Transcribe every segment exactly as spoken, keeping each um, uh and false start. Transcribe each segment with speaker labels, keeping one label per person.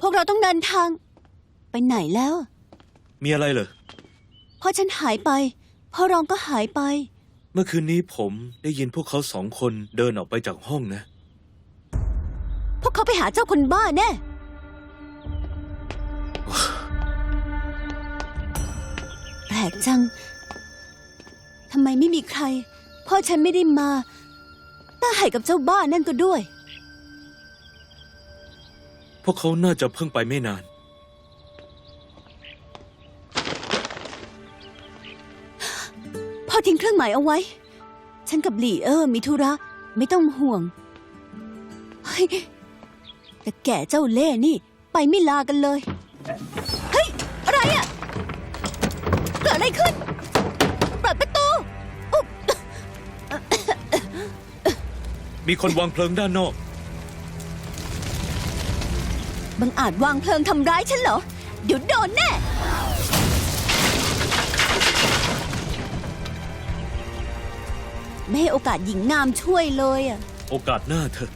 Speaker 1: วกเราต้องเดินทางไปไหนแล้ว
Speaker 2: มีอะไรเหรอ
Speaker 1: พ่อฉันหายไปพ่อรองก็หายไป
Speaker 2: เมื่อคืนนี้ผมได้ยินพวกเขาสองคนเดินออกไปจากห้องนะ
Speaker 1: พวกเขาไปหาเจ้าคนบ้าแน่ แปลกจังทำไมไม่มีใครพ่อฉันไม่ได้มาต้าไห่กับเจ้าบ้านั่นก็ด้วย
Speaker 2: พวกเขาน่าจะเพิ่งไปไม่นาน
Speaker 1: พ่อทิ้งเครื่องหมายเอาไว้ ฉันกับหลี่เออมีธุระไม่ต้องห่วงเฮ้ยแต่แก่เจ้าเล่ห์นี่ไปไม่ลากันเลย เฮ้ย อะไรอะ เกิดอะไรขึ้นเปิดประตูอุ๊บ
Speaker 2: มีคนวางเพลิงด้านนอก
Speaker 1: บังอาจวางเพลิงทำร้ายฉันเหรอ เดี๋ยวโดนแน่ ไม่ให้โอกาสหญิงงามช่วยเลยอะ
Speaker 2: โอกาสหน้าเถอะ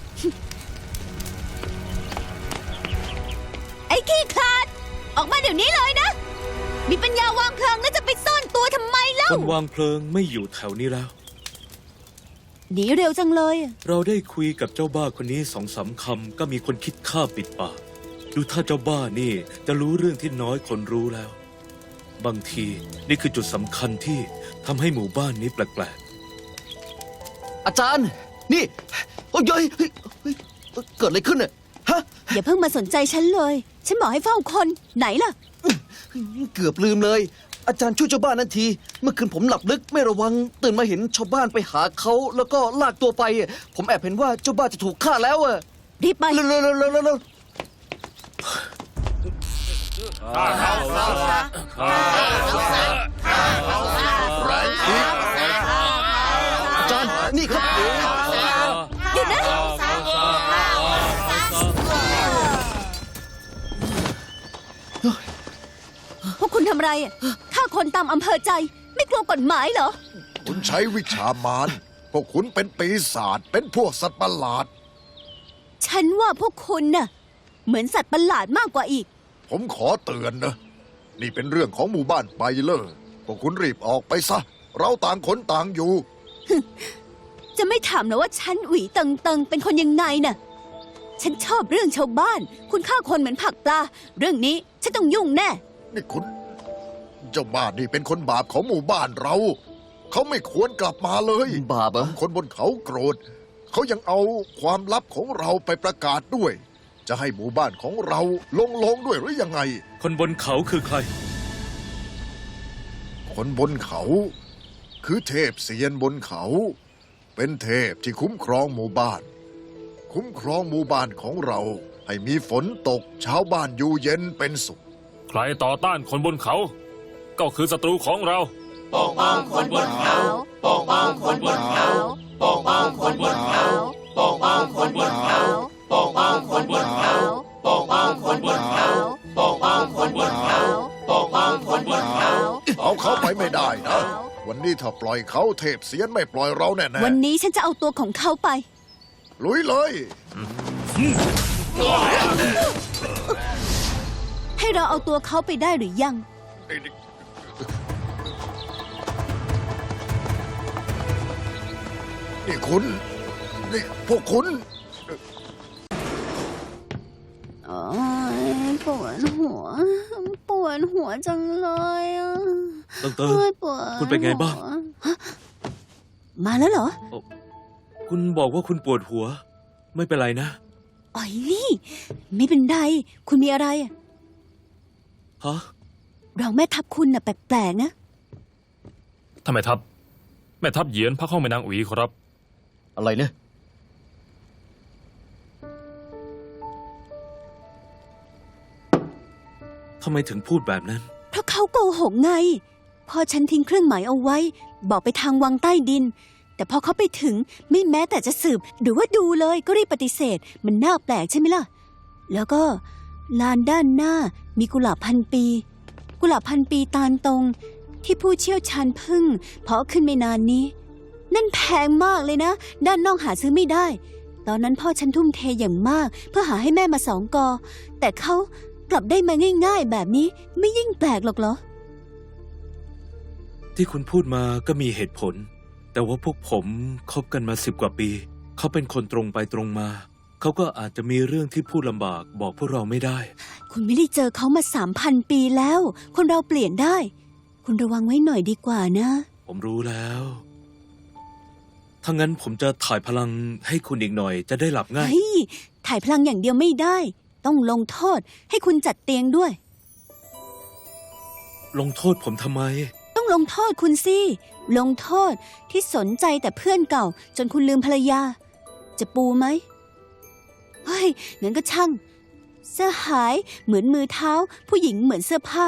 Speaker 1: ไอ้ขี้คลาด ออกมาเดี๋ยวนี้เลยนะ มีปัญญาวางเพลิงแล้วจะไปซ่อนตัวทำไมเล่า
Speaker 2: คนวางเพลิงไม่อยู่แถวนี้แล้ว
Speaker 1: หนีเร็วจังเลยอะ
Speaker 2: เราได้คุยกับเจ้าบ้าคนนี้สองสามคำก็มีคนคิดฆ่าปิดปาก ดูถ้าเจ้าบ้านี่จะรู้เรื่องที่น้อยคนรู้แล้ว บางทีนี่คือจุดสำคัญที่ทำให้หมู่บ้านนี้แปลก
Speaker 3: อาจารย์ นี่โอ้ยเฮ้ยเฮ้ยเฮ้ยเกิดอะไรขึ้นเนี่ยฮะ
Speaker 1: อย่าเพิ่งมาสนใจฉันเลย ฉันบอกให้เฝ้าคนไหนล่ะ
Speaker 3: เกือบลืมเลย อาจารย์ช่วยเจ้าบ้านนั่นที เมื่อคืนผมหลับลึกไม่ระวัง ตื่นมาเห็นชาวบ้านไปหาเขาแล้วก็ลากตัวไป ผมแอบเห็นว่าเจ้าบ้านจะถูกฆ่าแล้วอะ
Speaker 1: รีบไป
Speaker 3: เร็วเร็วเร็วเร็วเร็วอาจารย์นี่ครับ
Speaker 1: หยุดนะ พวกคุณทำอะไรอะฆ่าคนตามอำเภอใจ ไม่กลัวกฎหมายเหรอ
Speaker 4: คุณใช้วิชามารพวกคุณเป็นปีศาจเป็นพวกสัตว์ประหลาด
Speaker 1: ฉันว่าพวกคุณน่ะ เหมือนสัตว์ประหลาดมากกว่าอีก
Speaker 4: ผมขอเตือนนะ นี่เป็นเรื่องของหมู่บ้านไปเลอพวกคุณรีบออกไปซะ เราต่างคนต่างอยู่
Speaker 1: จะไม่ถามนะว่าฉันหวีเติงเติงเป็นคนยังไงน่ะ ฉันชอบเรื่องชาวบ้าน คุณฆ่าคนเหมือนผักปลา เรื่องนี้ฉันต้องยุ่งแน่
Speaker 4: นี่คุณ เจ้าบ้านนี่เป็นคนบาปของหมู่บ้านเรา เขาไม่ควรกลับมาเลย
Speaker 3: บาปเหรอ
Speaker 4: คนบนเขาโกรธ เขายังเอาความลับของเราไปประกาศด้วย จะให้หมู่บ้านของเราลงลงด้วยหรือยังไง
Speaker 2: ๆ คนบนเขาคือใคร
Speaker 4: คนบนเขา คือเทพเสียนบนเขา เป็นเทพที่คุ้มครองหมู่บ้าน คุ้มครองหมู่บ้านของเรา ให้มีฝนตกชาวบ้านอยู่เย็นเป็นสุข
Speaker 5: ใครต่อต้านคนบนเขา ก็คือศัตรูของเรา
Speaker 1: ปกป้องคนบนเขาปกป้องคนบนเขาปกป้องคนบนเขาปกป้องคนบนเขาปกป้องคนบนเขาปกป้องคนบนเขาปกป้องคนบนเขาปกป้องคนบนเขา
Speaker 4: เอาเขาไปไม่ได้นะ วันนี้ถ้าปล่อยเขาเทพเสียนไม่ปล่อยเราแน่
Speaker 1: วันนี้ฉันจะเอาตัวของเขาไป
Speaker 4: ๆลุยเลย
Speaker 1: ให้เราเอาตัวเขาไปได้หรือยัง
Speaker 4: นี่คุณ นี่พวกคุณ
Speaker 1: โอ้ยปวดหัว ปวดหัวจังเลยอ่ะ
Speaker 2: เติงเติง
Speaker 1: โอ้ยปวด
Speaker 2: คุณเป็นไงบ้าง
Speaker 1: หัวฮะมาแล้วเหรอ
Speaker 2: คุณบอกว่าคุณปวดหัว ไม่เป็นไรนะ
Speaker 1: อ๋อยนี่ ไม่เป็นไร คุณมีอะไรอะ
Speaker 2: ฮะ
Speaker 1: เราแม่ทัพคุณน่ะแปลกๆนะ
Speaker 5: ทำไมทัพ แม่ทัพเหยียนพักห้องแม่นางอุ๋ยครับ
Speaker 3: อะไรเนี่ย
Speaker 2: ทำไมถึงพูดแบบนั้น
Speaker 1: เพราะเขาโกหกไง พอฉันทิ้งเครื่องหมายเอาไว้ บอกไปทางวังใต้ดิน แต่พอเขาไปถึงไม่แม้แต่จะสืบ หรือว่าดูเลยก็รีบปฏิเสธ มันน่าแปลกใช่ไหมล่ะ แล้วก็ลานด้านหน้ามีกุหลาบพันปี กุหลาบพันปีตาลตรง ที่ผู้เชี่ยวชาญพึ่งเพาะขึ้นไม่นานนี้ นั่นแพงมากเลยนะ ด้านนอกหาซื้อไม่ได้ตอนนั้นพ่อฉันทุ่มเทอย่างมาก เพื่อหาให้แม่มาสองกอ แต่เขากลับได้มาง่ายๆแบบนี้ไม่ยิ่งแปลกหรอกเหรอ
Speaker 2: ที่คุณพูดมาก็มีเหตุผล แต่ว่าพวกผมคบกันมาสิบกว่าปี เขาเป็นคนตรงไปตรงมา เขาก็อาจจะมีเรื่องที่พูดลำบากบอกพวกเราไม่ได้
Speaker 1: คุณไม่ได้เจอเขามาสามพันปีแล้ว คนเราเปลี่ยนได้ คุณระวังไว้หน่อยดีกว่านะ
Speaker 2: ผมรู้แล้ว ถ้างั้นผมจะถ่ายพลังให้คุณอีกหน่อยจะได้หลับง่าย
Speaker 1: เฮ้ย ถ่ายพลังอย่างเดียวไม่ได้ ต้องลงโทษให้คุณจัดเตียงด้วย
Speaker 2: ลงโทษผมทำไม
Speaker 1: ต้องลงโทษคุณสิ ลงโทษที่สนใจแต่เพื่อนเก่า จนคุณลืมภรรยา จะปูไหม เฮ้ย งั้นก็ช่าง เสื้อหายเหมือนมือเท้า ผู้หญิงเหมือนเสื้อผ้า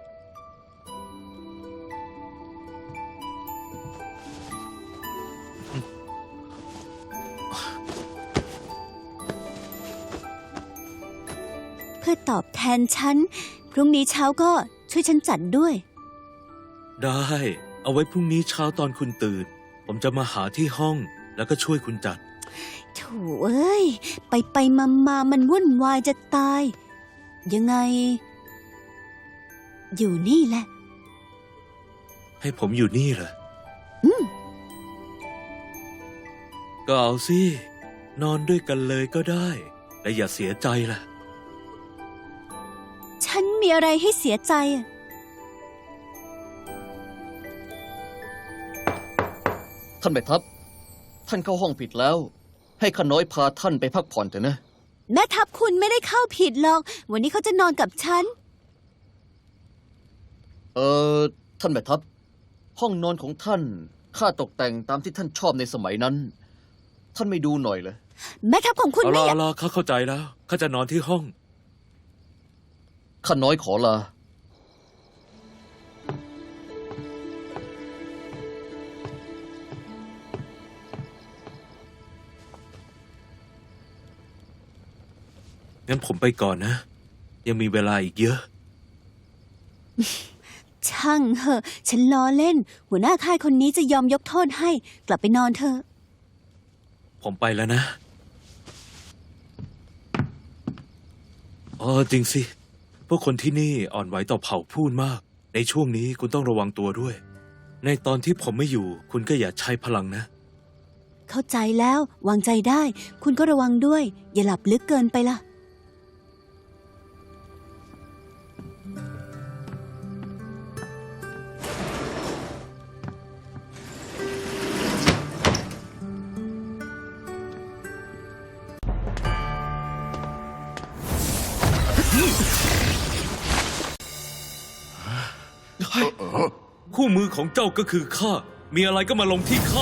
Speaker 1: เพื่อตอบแทนฉัน พรุ่งนี้เช้าก็ช่วยฉันจัดด้วย
Speaker 2: ได้ เอาไว้พรุ่งนี้เช้าตอนคุณตื่น ผมจะมาหาที่ห้องแล้วก็ช่วยคุณจัด
Speaker 1: โถ่เอ้ย ไปไปมามามันวุ่นวายจะตาย ยังไง อยู่นี่แหละ
Speaker 2: ให้ผมอยู่นี่เหรอ
Speaker 1: อืม
Speaker 2: ก็เอาสิ นอนด้วยกันเลยก็ได้ และอย่าเสียใจล่ะ
Speaker 1: ฉันมีอะไรให้เสียใจอะ
Speaker 3: ท่านแม่ทัพ ท่านเข้าห้องผิดแล้ว ให้ข้าน้อยพาท่านไปพักผ่อนเถอะนะ
Speaker 1: แม่ทัพคุณไม่ได้เข้าผิดหรอก วันนี้เขาจะนอนกับฉัน
Speaker 3: เออท่านแม่ทัพ ห้องนอนของท่านข้าตกแต่งตามที่ท่านชอบในสมัยนั้น ท่านไม่ดูหน่อยเลย
Speaker 1: แม่ทัพของคุณ
Speaker 2: เอา
Speaker 1: ไม่
Speaker 2: ละ
Speaker 1: อยา
Speaker 2: เอา
Speaker 1: ก
Speaker 2: ละข้าเข้าใจแล้ว ข้าจะนอนที่ห้อง
Speaker 3: ข้าน้อยขอลา
Speaker 2: งั้นผมไปก่อนนะ ยังมีเวลาอีกเยอะ
Speaker 1: ช่างเหอะ ฉันล้อเล่น หัวหน้าค่ายคนนี้จะยอมยกโทษให้ กลับไปนอนเถอะ
Speaker 2: ผมไปแล้วนะอ๋อจริงสิ พวกคนที่นี่อ่อนไหวต่อเผ่าพูดมาก ในช่วงนี้คุณต้องระวังตัวด้วย ในตอนที่ผมไม่อยู่ คุณก็อย่าใช้พลังนะ
Speaker 1: เข้าใจแล้ว วางใจได้ คุณก็ระวังด้วย อย่าหลับลึกเกินไปล่ะ
Speaker 2: คู่มือของเจ้าก็คือข้า มีอะไรก็มาลงที่ข้า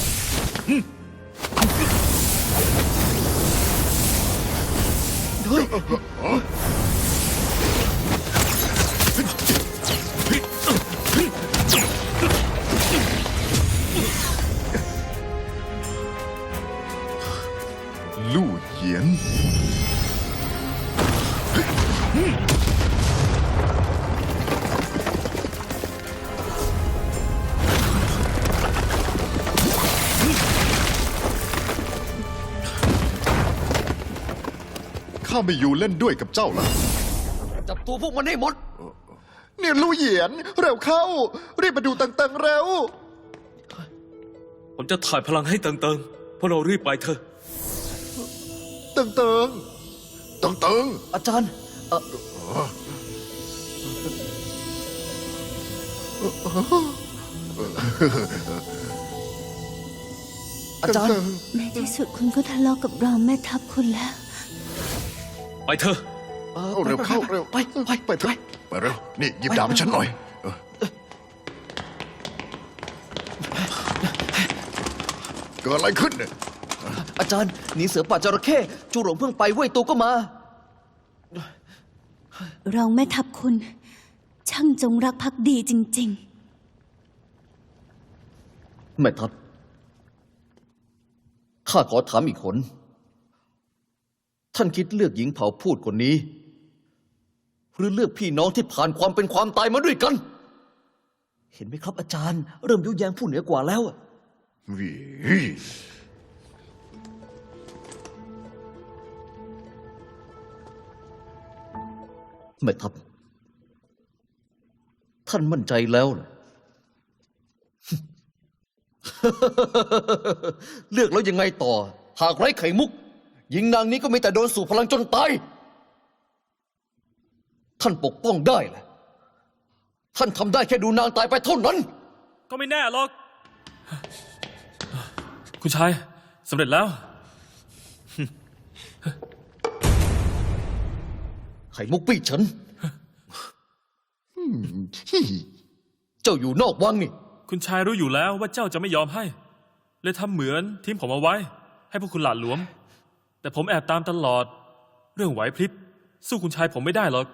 Speaker 4: ลู่เหยียน ข้าไม่อยู่เล่นด้วยกับเจ้าละ
Speaker 3: จับตัวพวกมันให้หมด
Speaker 4: เนี่ยลู่เหยียน เร็วเข้า รีบมาดูตังๆเร็ว
Speaker 2: ผมจะถ่ายพลังให้เติงๆพวกเรารีบไปเถอะ
Speaker 4: ตังเติงตังเติง
Speaker 3: อาจารย์เอ่ออาจารย์
Speaker 1: ในที่สุดคุณก็ทะเลาะกับรองแม่ทัพคุณแล้ว
Speaker 2: ไปเถอะ
Speaker 3: อ่อ
Speaker 4: เอาเร็วเข้าเร็ว
Speaker 3: ไปไป
Speaker 4: ไปเถอะไปเร็ว นี่หยิบดาบให้ฉันหน่อยเออเกิดอะไรขึ้นเนี่ย
Speaker 3: อาจารย์หนีเสือป่าจระเข้จูหลงเพิ่งไปเว้ยตัวก็มา
Speaker 1: รองแม่ทัพคุณ ช่างจงรักภักดีจริง
Speaker 3: แม่ทัพข้าขอถามอีกคน ท่านคิดเลือกหญิงเผ่าพูดคนนี้ หรือเลือกพี่น้องที่ผ่านความเป็นความตายมาด้วยกัน เห็นไหมครับอาจารย์ เริ่มยุแยงผู้เหนือกว่าแล้วอะ
Speaker 4: วิ
Speaker 3: แม่ทัพท่านมั่นใจแล้วเหรอ เลือกแล้วยังไงต่อ หากไร้ไข่มุก หญิงนางนี้ก็มีแต่โดนสู่พลังจนตาย ท่านปกป้องได้แหละ ท่านทำได้แค่ดูนางตายไปเท่านั้น
Speaker 5: ก็ไม่แน่หรอก คุณชายสำเร็จแล้ว
Speaker 3: ไข่มุกปี้ฉัน เจ้าอยู่นอกวังนี่
Speaker 5: คุณชายรู้อยู่แล้วว่าเจ้าจะไม่ยอมให้ เลยทำเหมือนทิ้งผมเอาไว้ ให้พวกคุณหลาดหลวม แต่ผมแอบตามตลอด เรื่องไหวพริบ สู้คุณชายผมไม่ได้หรอก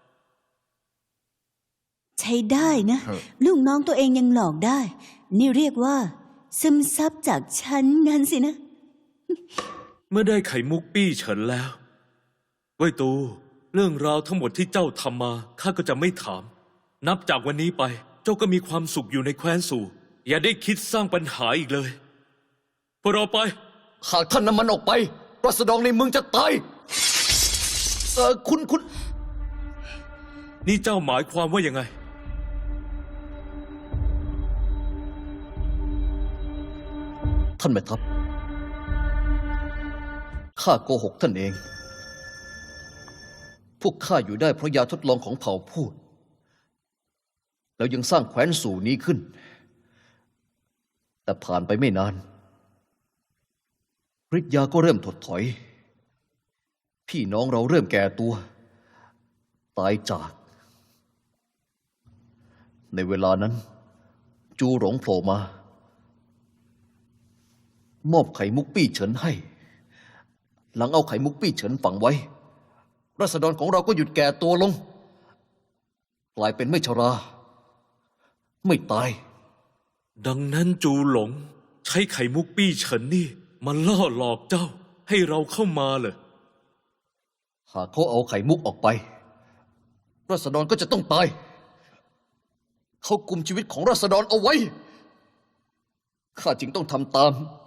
Speaker 1: ใช้ได้นะ
Speaker 4: เออ
Speaker 1: ลูกน้องตัวเองยังหลอกได้ นี่เรียกว่า ซึมซับจากฉันงั้นสินะ
Speaker 2: เมื่อได้ไข่มุกปี้เฉินแล้วเว่ยตู เรื่องราวทั้งหมดที่เจ้าทำมาข้าก็จะไม่ถาม นับจากวันนี้ไป เจ้าก็มีความสุขอยู่ในแคว้นสู่ อย่าได้คิดสร้างปัญหาอีกเลยพวกเราไป
Speaker 3: หากท่านนำมันออกไปรัษฎรในเมืองจะตาย เออคุณคุณ
Speaker 2: นี่เจ้าหมายความว่ายังไง
Speaker 3: ท่านแม่ทัพข้าโกหกท่านเอง พวกข้าอยู่ได้เพราะยาทดลองของเผ่าพูด แล้วยังสร้างแคว้นสู่นี้ขึ้น แต่ผ่านไปไม่นานฤทธิ์ยาก็เริ่มถดถอย พี่น้องเราเริ่มแก่ตัว ตายจาก ในเวลานั้น จูหลงโผล่มา มอบไข่มุกปี้เฉินให้ หลังเอาไข่มุกปี้เฉินฝังไว้ราษฎรของเราก็หยุดแก่ตัวลง กลายเป็นไม่ชรา ไม่ตาย
Speaker 2: ดังนั้นจูหลง ใช้ไข่มุกปี้เฉินนี่มาล่อหลอกเจ้า ให้เราเข้ามาเหรอ
Speaker 3: หากเขาเอาไข่มุกออกไปราษฎรก็จะต้องตาย เขากุมชีวิตของราษฎรเอาไว้ ข้าจึงต้องทำตาม